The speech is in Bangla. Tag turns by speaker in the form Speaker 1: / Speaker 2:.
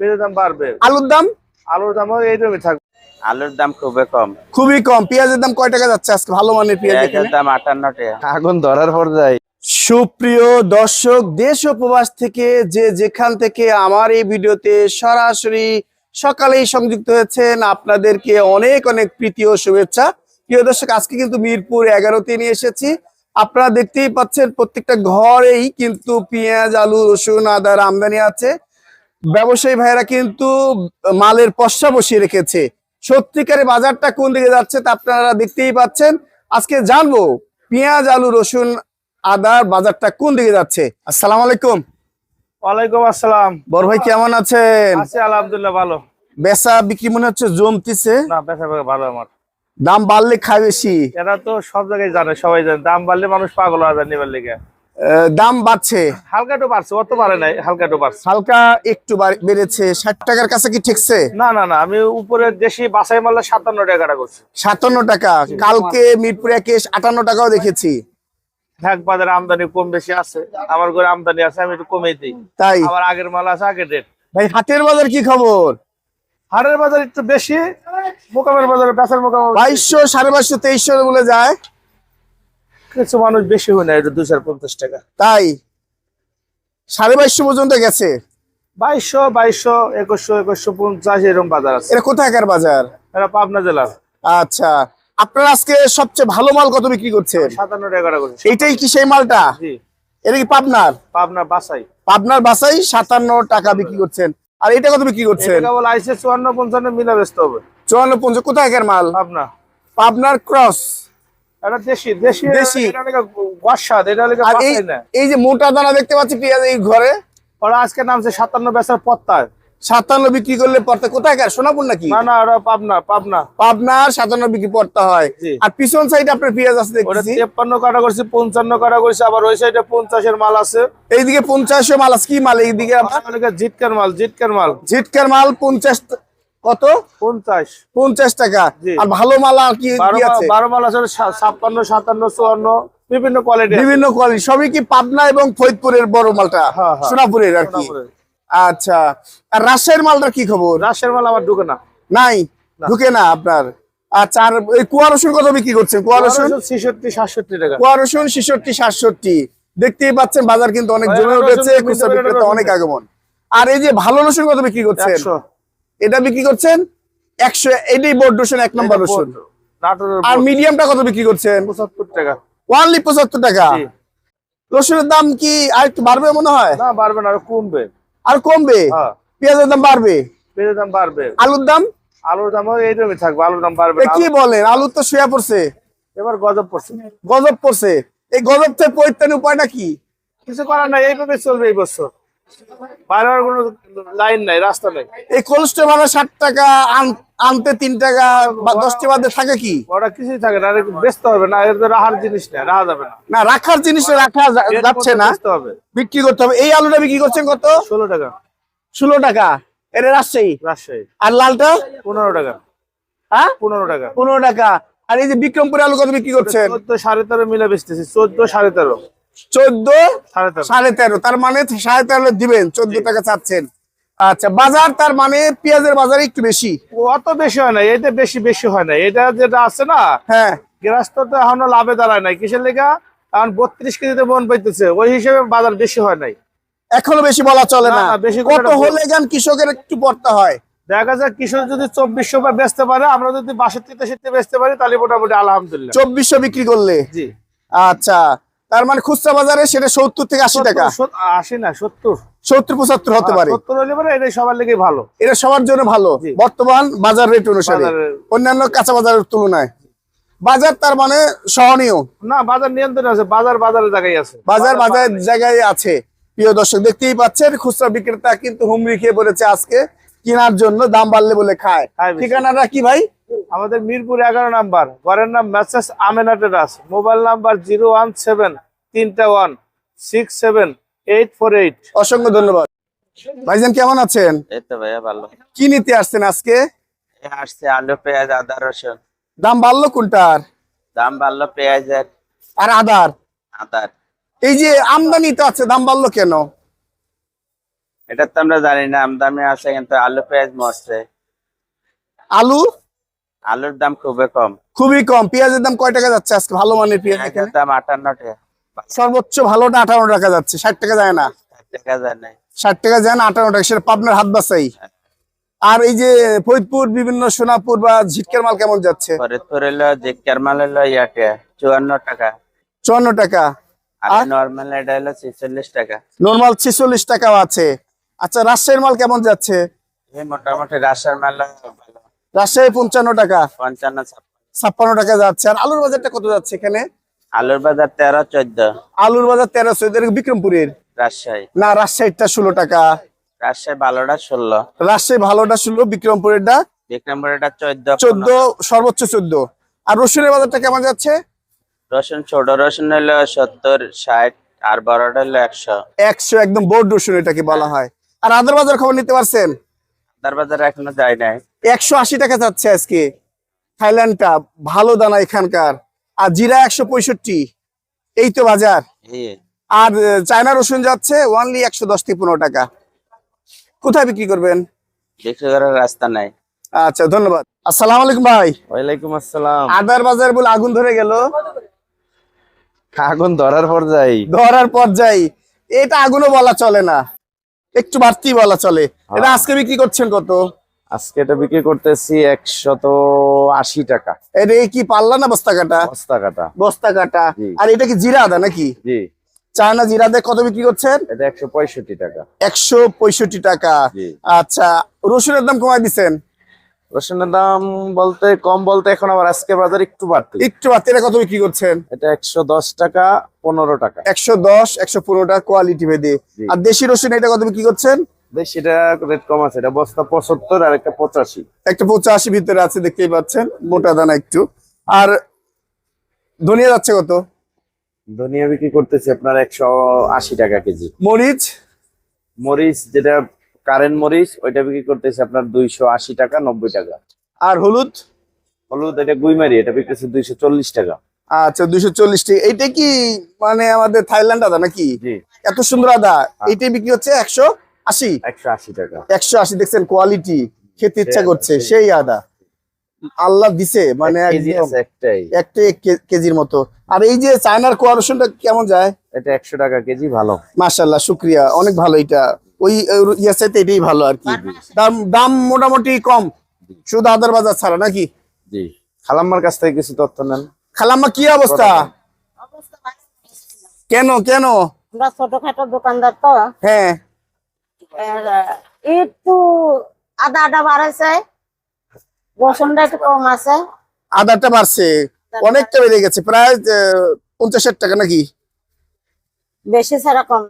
Speaker 1: পেঁয়াজের দাম বাড়বে।
Speaker 2: আলুর দাম?
Speaker 1: আলুর দামও এইরকমই থাকবে।
Speaker 3: আলুর দাম খুবই কম।
Speaker 2: খুবই কম। পেঁয়াজের দাম কয় টাকা যাচ্ছে আজকে ভালো মানের পেঁয়াজ?
Speaker 3: পেঁয়াজের দাম 58 টাকা। আগুন ধরার পর যায়।
Speaker 2: সুপ্রিয় দর্শক, দেশ ও প্রবাস থেকে যে যেখান থেকে আমার এই ভিডিওতে সরাসরি সকালেই সংযুক্ত হয়েছেন, আপনাদেরকে অনেক অনেক প্রীতি ও শুভেচ্ছা। প্রিয় দর্শক, আজকে কিন্তু মিরপুর 11তে নিয়ে এসেছি। আপনারা দেখতেই পাচ্ছেন প্রত্যেকটা ঘরেই কিন্তু পেঁয়াজ, আলু, রসুন, আদার আমদানি আছে। ব্যবসায়ী ভাইরা কিন্তু মালের পসরা বসিয়ে রেখেছে। সত্যিকারে বাজারটা কোন দিকে যাচ্ছে তা আপনারা দেখতেই পাচ্ছেন। আজকে জানবো পেঁয়াজ, আলু, রসুন, আদার বাজারটা কোন দিকে যাচ্ছে। আসসালামু আলাইকুম।
Speaker 1: ওয়ালাইকুম আসসালাম।
Speaker 2: বড় ভাই কেমন আছেন?
Speaker 1: আছি আলহামদুলিল্লাহ ভালো।
Speaker 2: বেচা বিক্রি মনে হচ্ছে জমতিছে।
Speaker 1: না, বেচা বিক্রি ভালো। আমার
Speaker 2: দাম বাড়লে খায় বেশি।
Speaker 1: এরা তো সব জায়গায় জানে, সবাই জানে দাম বাড়লে মানুষ পাগল হয়ে যায় নিবার লেগে।
Speaker 2: দাম বাড়ছে,
Speaker 1: হালকা একটু বাড়ছে, অত বাড়ে নাই, হালকা একটু বাড়ছে।
Speaker 2: হালকা একটু বেড়েছে। 60 টাকার কাছে কি ঠেকছে?
Speaker 1: না না না, আমি উপরে দেশি বাছাই মারলে 57 টাকা কাটা করছি।
Speaker 2: 57 টাকা। কালকে মিরপুর 58 টাকাও দেখেছি।
Speaker 1: ঢাক বাজারে আমদানি কম বেশি আছে, আমার ঘরে আমদানি আছে, আমি একটু কমেই দিই।
Speaker 2: তাই
Speaker 1: আবার আগের মাল আছে আগের রেট।
Speaker 2: ভাই হাটের বাজার কি খবর?
Speaker 1: হাটের বাজার একটু বেশি, মোকামের বাজারে বেচার মোকাম
Speaker 2: 2200, 2250, 2300 বলে যায়।
Speaker 1: কিছু মানুষ বেশি হয় না, এটা 250 টাকা।
Speaker 2: তাই 2250 পর্যন্ত গেছে।
Speaker 1: 2200, 2100, 2150 এরকম বাজার আছে।
Speaker 2: এটা কোথাকার বাজার?
Speaker 1: এটা পাবনা জেলার।
Speaker 2: আচ্ছা, আপনারা আজকে সবচেয়ে ভালো মাল কত বিক্রি করছেন?
Speaker 1: 57 টাকা কাটা করছি।
Speaker 2: এইটাই কি সেই মালটা?
Speaker 1: জি,
Speaker 2: এটা কি পাবনার?
Speaker 1: পাবনা বাছাই।
Speaker 2: পাবনার বাসাই 57 টাকা বিক্রি করছেন। আর এটা কত বিক্রি করছেন?
Speaker 1: এটা কেবল আইসে 54-55 মিলা বেচতে হবে।
Speaker 2: 54-50 কোথাকার মাল?
Speaker 1: পাবনা।
Speaker 2: পাবনার ক্রস।
Speaker 1: এটা দেশি দেশি
Speaker 2: দেশি।
Speaker 1: এটা লেগে গসাদ, এটা লেগে
Speaker 2: আর
Speaker 1: বাছাই না।
Speaker 2: এই যে মোটা দানা দেখতে পাচ্ছি পেঁয়াজ এই ঘরে,
Speaker 1: ওরা আজকে নামছে 57 বেচার পত্তায়।
Speaker 2: 57 বিক্রি করলে পড়তে কোথাকার? সোনাপুর নাকি?
Speaker 1: না না, ওরা পাবনা পাবনা।
Speaker 2: পাবনার 57 বিক্রি পড়তে হয়।
Speaker 1: জি।
Speaker 2: আর পিছন সাইডে আপনার পেঁয়াজ আছে
Speaker 1: ওরা
Speaker 2: দেখতেছি।
Speaker 1: 53 কাটা করছি, 55 কাটা করছি, আবার ওই সাইডে 50 এর মাল আছে।
Speaker 2: এইদিকে 50 মাল আছে। কি মাল এইদিকে?
Speaker 1: জিটকার মাল, জিটকার মাল।
Speaker 2: ঝিটকার মাল 50 কত?
Speaker 1: 50
Speaker 2: 50 টাকা।
Speaker 1: জি।
Speaker 2: আর ভালো মাল আর কি কি আছে?
Speaker 1: 12 মাল আছে, 56, 57, 54 বিভিন্ন কোয়ালিটি।
Speaker 2: বিভিন্ন কোয়ালিটি। সবই কি পাবনা এবং ফরিদপুরের বড় মালটা?
Speaker 1: হ্যাঁ, হ্যাঁ।
Speaker 2: সোনাপুরের আর কি। আচ্ছা, আর রাজশাহীর মালটার কি খবর?
Speaker 1: রাজশাহীর মাল আমার ঢুকে না।
Speaker 2: নাই, ঢুকে না আপনার। আচ্ছা, আর এই কুয়া রসুন কত বিক্রি করছেন? কুয়া রসুন
Speaker 1: 66-67 টাকা।
Speaker 2: কুয়া রসুন 66-67। দেখতেই পাচ্ছেন বাজার কিন্তু অনেক জমে উঠেছে, খুচরা বিক্রেতা অনেক আগমন। আর এই যে ভালো রসুন কত বিক্রি করছেন?
Speaker 1: 100।
Speaker 2: এটা বিক্রি করছেন 100। এটাই বোর্ড রসুন, 1 নম্বর রসুন।
Speaker 1: নাটোরের
Speaker 2: আর মিডিয়ামটা কত বিক্রি করছেন?
Speaker 1: 75 টাকা।
Speaker 2: ওনলি 75 টাকা।
Speaker 1: জি।
Speaker 2: রসুনের দাম কি আর একটু বাড়বে মনে হয়?
Speaker 1: না, বাড়বে না, আরো কমবে।
Speaker 2: আর কমবে?
Speaker 1: হ্যাঁ,
Speaker 2: পেঁয়াজের দাম বাড়বে।
Speaker 1: পেঁয়াজের দাম বাড়বে।
Speaker 2: আলুর দাম?
Speaker 1: আলুর দামও এইরকমই থাকবে, আলুর দাম বাড়বে
Speaker 2: এ
Speaker 1: না।
Speaker 2: কি বলেন, আলু তো শুয়ে পড়ছে,
Speaker 1: এবার গজব পড়ছে।
Speaker 2: গজব পড়ছে। এই গজব থেকে পরিত্রাণের উপায়টা কি?
Speaker 1: কিছু করার নাই, এইভাবে চলবে এই বছর। বাইরের কোনো লাইন নাই, রাস্তা নাই।
Speaker 2: এই কোলেস্ট্রল ভাড়া 60 টাকা, আনতে 3 টাকা বা 10টা বাদে থাকে কি?
Speaker 1: ওরা কিছুই থাকে না, বেচতে হবে না, এর তো রাখার জিনিস না, রাখা যাবে না।
Speaker 2: না, রাখার জিনিসটা রাখা যাচ্ছে না,
Speaker 1: বেচতে হবে।
Speaker 2: বিক্রি করতে হবে। এই আলুটা বিক্রি করছেন কত?
Speaker 1: 16 টাকা।
Speaker 2: 16 টাকা। এটা রাজশাহী।
Speaker 1: রাজশাহী।
Speaker 2: আর লালটা?
Speaker 1: 15 টাকা।
Speaker 2: হ্যাঁ,
Speaker 1: 15 টাকা।
Speaker 2: 15 টাকা। আর এই যে বিক্রমপুর আলু কত বিক্রি করছেন?
Speaker 1: 14, 13.5 মিলে বেচতেছি। 14, 13.5।
Speaker 2: 14,
Speaker 1: 13.5।
Speaker 2: 13.5। তার মানে 13.5 দিবেন, 14 টাকা চাচ্ছেন। আচ্ছা, বাজার তার মানে পেঁয়াজের বাজার একটু বেশি।
Speaker 1: অত বেশি হয় না, এটা বেশি বেশি হয় না। এটা যেটা আছে না,
Speaker 2: হ্যাঁ,
Speaker 1: গৃহস্থ তো এখনো লাভে দাঁড়ায় নাই। কিসের লেগা? এখন 32 কেজিতে মন পাইতেছে, ওই হিসেবে বাজার বেশি হয় নাই।
Speaker 2: এখনো বেশি বলা চলে
Speaker 1: না,
Speaker 2: না।
Speaker 1: না, বেশি
Speaker 2: কত হলে গান কৃষকের একটু পড়তে হয়?
Speaker 1: দেখা যায় কৃষক যদি 2400 বা বেচতে পারে, আমরা যদি 62-63 বেচতে পারি, তাহলে মোটামুটি আলহামদুলিল্লাহ।
Speaker 2: 2400 বিক্রি করলে?
Speaker 1: জি।
Speaker 2: আচ্ছা, তার মানে খুচরা বাজারে সেটা 70 থেকে 80 টাকা।
Speaker 1: 80 না, 70।
Speaker 2: 70-75 হতে পারে।
Speaker 1: 70 হলে পরে এটাই সবার লেগে ভালো।
Speaker 2: এটা সবার জন্য ভালো
Speaker 1: জি।
Speaker 2: বর্তমান বাজার রেট অনুসারে,
Speaker 1: বাজারের-
Speaker 2: অন্যান্য কাঁচা বাজারের তুলনায়। বাজার তার মানে সহনীয়।
Speaker 1: না, বাজার নিয়ন্ত্রণ আছে, বাজারের জায়গায় আছে।
Speaker 2: বাজার জায়গায় আছে। প্রিয় দর্শক, দেখতেই পাচ্ছেন খুচরা বিক্রেতা কিন্তু হুমড়ি খেয়ে পড়েছে আজকে কেনার জন্য, দাম বাড়লে বলে খায়।
Speaker 1: খায় বেশি।
Speaker 2: ঠিকানাটা কি ভাই?
Speaker 1: আমাদের মিরপুর 11 নাম্বার, ঘরের নাম message Amena terrace, mobile number 017-3167848।
Speaker 2: অসংখ্য ধন্যবাদ। ভাইজান কেমন আছেন?
Speaker 3: এই তো ভাইয়া ভালো।
Speaker 2: কি নিতে আসছেন আজকে?
Speaker 3: আসছে আলু, পেঁয়াজ, আদা, রসুন।
Speaker 2: দাম বাড়লো কোনটার?
Speaker 3: দাম বাড়লো পেঁয়াজের,
Speaker 2: আর আদার?
Speaker 3: আদার।
Speaker 2: এই যে আমদানি তো আছে, দাম বাড়লো কেন?
Speaker 3: এটা তো আমরা জানি না, আমদামি আছে কিন্তু আলু পেঁয়াজ মরছে।
Speaker 2: আলু
Speaker 3: আলুর দাম খুবই কম।
Speaker 2: খুবই কম। পেঁয়াজের দাম কয় টাকা যাচ্ছে আজকে ভালো মানের পেঁয়াজ
Speaker 3: পেঁয়াজের
Speaker 2: এখানে?
Speaker 3: দাম 58 টাকা।
Speaker 2: সর্বোচ্চ ভালোটা 58 টাকা যাচ্ছে, 60 টাকা যায় না।
Speaker 3: 60 টাকা যায় নাই।
Speaker 2: 60 টাকা যায় না, 58 টাকা, সেটা পাবনার হাত বাসাই। আর এই যে ফরিদপুর, বিভিন্ন সোনাপুর বা ঝিটকের মাল কেমন যাচ্ছে?
Speaker 3: ফরিদপুর হলো জিক্কার মাল হলো ইয়াতে 54 টাকা।
Speaker 2: 54 টাকা।
Speaker 3: আর
Speaker 2: আর
Speaker 3: নরমাল এটা হলো 46 টাকা।
Speaker 2: নরমাল 46 টাকাও আছে। আচ্ছা, রাজশাহীর মাল কেমন যাচ্ছে?
Speaker 3: এই মোটামুটি রাজশাহীর মাল ভালো।
Speaker 2: রাজশাহী 55 টাকা,
Speaker 3: 55
Speaker 2: 56 টাকা যাচ্ছে। আর আলুর বাজারটা কত যাচ্ছে এখানে?
Speaker 3: আলুর বাজার 13 14।
Speaker 2: আলুর বাজার 1300, বিক্রমপুরের
Speaker 3: রাজশাহী
Speaker 2: না, রাজশাহীটা 16 টাকা।
Speaker 3: রাজশাহী ভালোটা 16।
Speaker 2: রাজশাহী ভালোটা 16, বিক্রমপুরেরটা
Speaker 3: বিক্রমপুর এটা 14
Speaker 2: 14, সর্বোচ্চ 14। আর রসুনের বাজারটা কেমন যাচ্ছে?
Speaker 3: রসুন ছোট রসুন হলো 70 60 আর বড়টা হলো 100।
Speaker 2: 100, একদম বোর্ড রসুন এটাকে বলা হয়। আর আদার বাজার খবর নিতে পারছেন?
Speaker 3: তার বাজারে এখনো যায় নাই।
Speaker 2: 180 টাকা যাচ্ছে আজকে থাইল্যান্ডটা, ভালো দানা এখানকার। আর জিরা 165, এই তো বাজার।
Speaker 3: এই
Speaker 2: আর চায়না রসুন যাচ্ছে ওনলি 110 থেকে 15 টাকা। কোথায় বিক্রি করবেন?
Speaker 3: বিক্রি করার রাস্তা নাই।
Speaker 2: আচ্ছা, ধন্যবাদ। আসসালামু আলাইকুম ভাই।
Speaker 3: ওয়ালাইকুম আসসালাম।
Speaker 2: আদার বাজার বলে আগুন ধরে গেল।
Speaker 3: আগুন ধরার পর যাই।
Speaker 2: ধরার পর্যায়ে এটা আগুনও বলা চলে না, একটু বাড়তি বলা চলে। এটা আজকে বিক্রি করছেন কত?
Speaker 4: আজকে এটা বিক্রি করতেছি 180 টাকা
Speaker 2: এটা কি পাল্লা না বস্তা কাটা?
Speaker 4: বস্তা কাটা।
Speaker 2: বস্তা কাটা।
Speaker 4: জি।
Speaker 2: আর এটা কি জিরা আদা নাকি?
Speaker 4: জি,
Speaker 2: চায়না জিরা আদা কত বিক্রি করছেন?
Speaker 4: এটা 165 টাকা।
Speaker 2: 165 টাকা।
Speaker 4: জি।
Speaker 2: আচ্ছা, রসুনের দাম কমাই দিচ্ছেন?
Speaker 4: রসুনের দাম বলতে কম বলতে এখন আবার আজকে বাজার একটু বাড়তি।
Speaker 2: একটু বাড়তি। এটা কত বিক্রি করছেন?
Speaker 4: এটা 110 টাকা 15 টাকা।
Speaker 2: 110, 115 টাকা কোয়ালিটি ভেদে।
Speaker 4: জি।
Speaker 2: আর দেশি রসুন এটা কত বিক্রি করছেন?
Speaker 4: সেটা রেট কম আছে, এটা বস্তা 75 আর একটা 85।
Speaker 2: একটা 85 ভিতরে আছে, দেখতেই পাচ্ছেন, মোটা দানা একটু। আর ধনিয়া যাচ্ছে কত?
Speaker 4: ধনিয়া বিক্রি করতেছি আপনার 180 টাকা কেজি।
Speaker 2: মরিচ?
Speaker 4: মরিচ যেটা কারেন্ট মরিচ ওইটা বিক্রি করতেছি আপনার 280 টাকা 90 টাকা।
Speaker 2: আর হলুদ?
Speaker 4: হলুদ এটা গুইমারি, এটা বিক্রি 240 টাকা।
Speaker 2: আচ্ছা, 240 টাকা। এইটা কি মানে আমাদের থাইল্যান্ড আদা নাকি?
Speaker 4: জি,
Speaker 2: এত সুন্দর আদা, এইটাই বিক্রি হচ্ছে 180।
Speaker 4: 180 টাকা।
Speaker 2: 180, দেখছেন কোয়ালিটি, খেতে ইচ্ছা করছে সেই আদা। আল্লাহ দিছে মানে
Speaker 4: কেজি
Speaker 2: একদম
Speaker 4: আছে একটাই।
Speaker 2: একটা কেজির মতো। আর এই যে চায়নার কোয়া রসুনটা কেমন যায়?
Speaker 4: এটা 100 টাকা কেজি, ভালো।
Speaker 2: মাশাআল্লাহ, শুক্রিয়া, অনেক ভালো। এটা ওই ইয়ার চাইতে এটাই ভালো আর কি। দাম দাম মোটামুটি কম, শুধু আদার বাজার ছাড়া নাকি?
Speaker 4: জি, খালাম্মার কাছ থেকে কিছু তথ্য নেন।
Speaker 2: খালাম্মা, কি অবস্থা? কেন কেন?
Speaker 5: আমরা ছোটখাটো দোকানদার তো,
Speaker 2: হ্যাঁ,
Speaker 5: এর, একটু আদা আদা বাড়াইছে, রসুনটা একটু কম আছে।
Speaker 2: আদারটা বাড়ছে, অনেকটা বেড়ে গেছে, প্রায় 50-60 টাকা নাকি?
Speaker 5: বেশি ছাড়া কম।